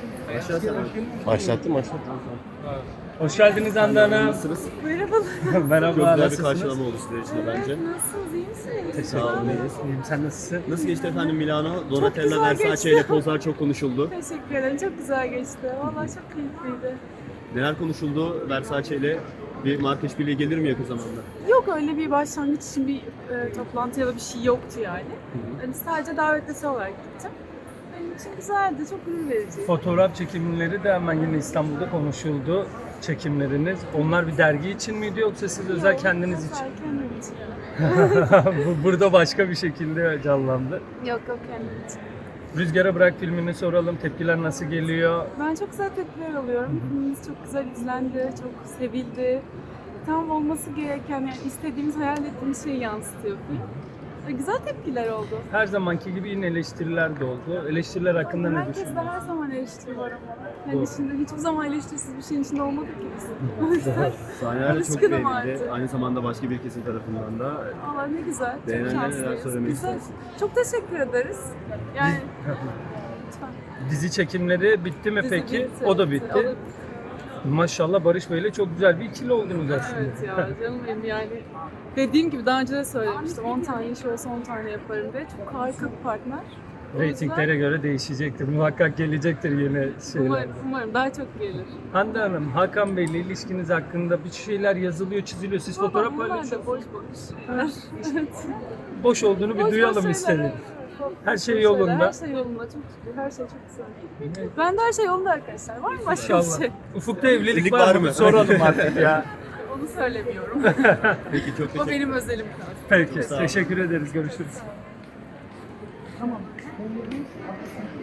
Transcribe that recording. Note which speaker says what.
Speaker 1: Başlattım.
Speaker 2: Hoş geldiniz Hande Hanım.
Speaker 1: Nasılsınız?
Speaker 3: Merhabalar.
Speaker 2: Merhaba,
Speaker 1: Çok güzel bir
Speaker 2: nasılsınız?
Speaker 1: karşılama oldu sizler için de bence.
Speaker 3: Nasılsınız? İyi misiniz?
Speaker 1: Sağ olun.
Speaker 2: İyiyim, sen nasılsın?
Speaker 1: Nasıl geçti efendim Milano? Donatella
Speaker 3: güzel
Speaker 1: Versace
Speaker 3: geçti.
Speaker 1: ile pozlar çok konuşuldu.
Speaker 3: Teşekkür ederim. Çok güzel geçti. Vallahi çok keyifliydi.
Speaker 1: Neler konuşuldu Versace ile? Bir marka işbirliği gelir mi yakın zamanda?
Speaker 3: Yok öyle bir başlangıç için bir toplantı ya da bir şey yoktu yani. Yani sadece davetlisi olarak gittim. Benim için güzeldi. Çok gurur verici.
Speaker 2: Fotoğraf çekimleri de hemen yine İstanbul'da konuşuldu. Çekimleriniz. Onlar bir dergi için miydi yoksa siz özel
Speaker 3: Yok,
Speaker 2: kendiniz için?
Speaker 3: özel kendim için.
Speaker 2: Burada başka bir şekilde canlandı.
Speaker 3: Yok kendim için.
Speaker 2: Rüzgara Bırak filmini soralım. Tepkiler nasıl geliyor?
Speaker 3: Ben çok güzel tepkiler alıyorum. Filmimiz çok güzel izlendi, çok sevildi. Tam olması gereken, yani istediğimiz, hayal ettiğimiz şeyi yansıtıyor film. Ve güzel tepkiler oldu.
Speaker 2: Her zamanki gibi yine eleştiriler de oldu. Eleştiriler hakkında ne
Speaker 3: Herkes de
Speaker 2: düşünüyorsunuz?
Speaker 3: her zaman eleştiri var ama. Yani
Speaker 2: Doğru.
Speaker 3: şimdi hiçbir zaman eleştirisiz bir şeyin içinde olmadık ki biz. O yüzden
Speaker 1: Sahneler de çok
Speaker 3: alışkınım
Speaker 1: beğenildi.
Speaker 3: artık.
Speaker 1: Aynı zamanda başka bir kesim tarafından da.
Speaker 3: Allah ne güzel, çok
Speaker 1: Beğenenlere neler
Speaker 3: şanslıyız.
Speaker 1: söylemek
Speaker 3: Güzel.
Speaker 1: istersin?
Speaker 3: Çok teşekkür ederiz. Yani lütfen.
Speaker 2: Dizi çekimleri bitti mi
Speaker 3: Dizi
Speaker 2: peki?
Speaker 3: bitti,
Speaker 2: O da
Speaker 3: O
Speaker 2: bitti.
Speaker 3: da
Speaker 2: Maşallah Barış Bey'le çok güzel bir ikili oldunuz aslında.
Speaker 3: Evet ya canım benim yani. Dediğim gibi daha önce de söylemiştim. 10 tane iş olsa 10 tane yaparım diye. Çok harika bir partner. O yüzden
Speaker 2: Reytinglere göre değişecektir. Muhakkak gelecektir yine şeyler.
Speaker 3: umarım daha çok gelir.
Speaker 2: Hande Hanım, Hakan Bey'le ilişkiniz hakkında bir şeyler yazılıyor, çiziliyor. Siz fotoğraf
Speaker 3: Bunlar da
Speaker 2: paylaşıyorsunuz.
Speaker 3: boş boş. Evet.
Speaker 2: Boş olduğunu bir
Speaker 3: Boş
Speaker 2: duyalım
Speaker 3: şeyler,
Speaker 2: istedim.
Speaker 3: evet.
Speaker 2: Her şey
Speaker 3: Boş
Speaker 2: yolunda.
Speaker 3: şeyler, Her şey yolunda. Çok şükür. Her şey çok güzel. Ben de her şey yolunda arkadaşlar. Var mı başka bir
Speaker 2: İnşallah.
Speaker 3: şey?
Speaker 2: Ufukta evlilik
Speaker 1: Evlilik
Speaker 2: var
Speaker 1: var
Speaker 2: mı?
Speaker 1: mı?
Speaker 2: Soralım artık ya.
Speaker 3: Onu söylemiyorum.
Speaker 1: Peki çok
Speaker 3: O
Speaker 1: teşekkür
Speaker 3: benim özelim kaldı.
Speaker 2: Peki,
Speaker 1: Sağ olun.
Speaker 2: teşekkür ederiz. Görüşürüz.
Speaker 3: Tamam.